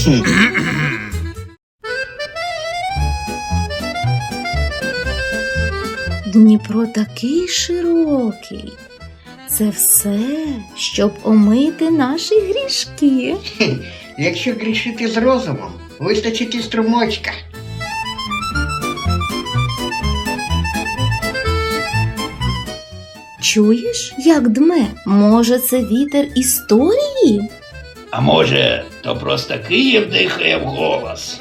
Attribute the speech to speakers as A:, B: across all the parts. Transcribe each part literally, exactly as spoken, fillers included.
A: Дніпро такий широкий. Це все, щоб омити наші грішки.
B: Якщо грішити з розумом, вистачить і струмочка.
A: Чуєш, як дме? Може, це вітер історії?
C: А може, то просто Київ дихає вголос?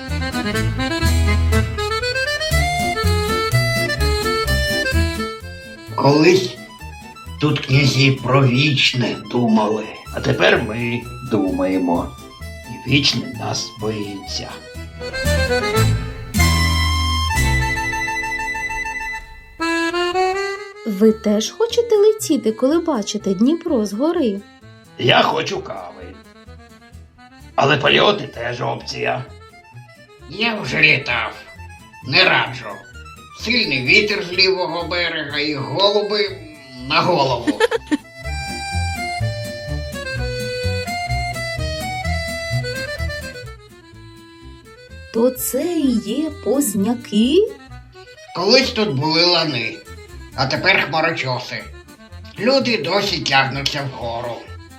B: Колись тут князі про вічне думали.
C: А тепер ми думаємо. І вічне нас боїться.
A: Ви теж хочете летіти, коли бачите Дніпро згори?
C: Я хочу кави. Але польоти теж опція.
B: Я вже літав. Не раджу. Сильний вітер з лівого берега і голуби на голову.
A: То це і є Позняки?
B: Колись тут були лани, а тепер хмарочоси. Люди досі тягнуться вгору.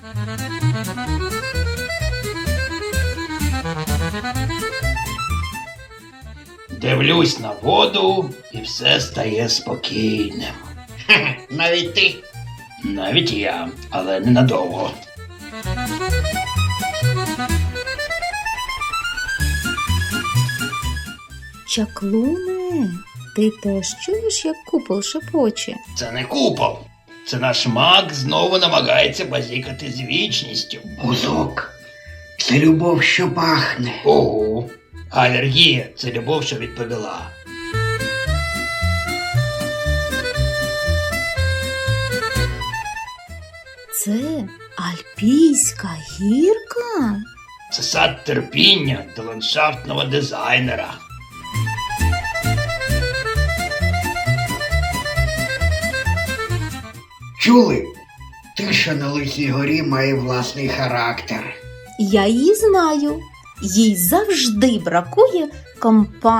C: Дивлюсь на воду, і все стає спокійним.
B: Хе-хе, навіть ти.
C: Навіть я, але ненадовго.
A: Чаклуне, ти теж чуєш, як купол шепоче?
C: Це не купол. Це наш маг знову намагається базікати з вічністю.
B: Бузок. Це любов, що пахне.
C: Ого. А алергія – це любов, що відповіла.
A: Це Альпійська гірка?
C: Це сад терпіння до ландшафтного дизайнера.
B: Чули? Тиша на Лисій горі має власний характер.
A: Я її знаю. Їй завжди бракує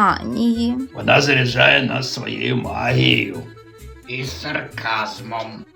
A: компанії.
C: Вона заряджає нас своєю магією.
B: І з сарказмом.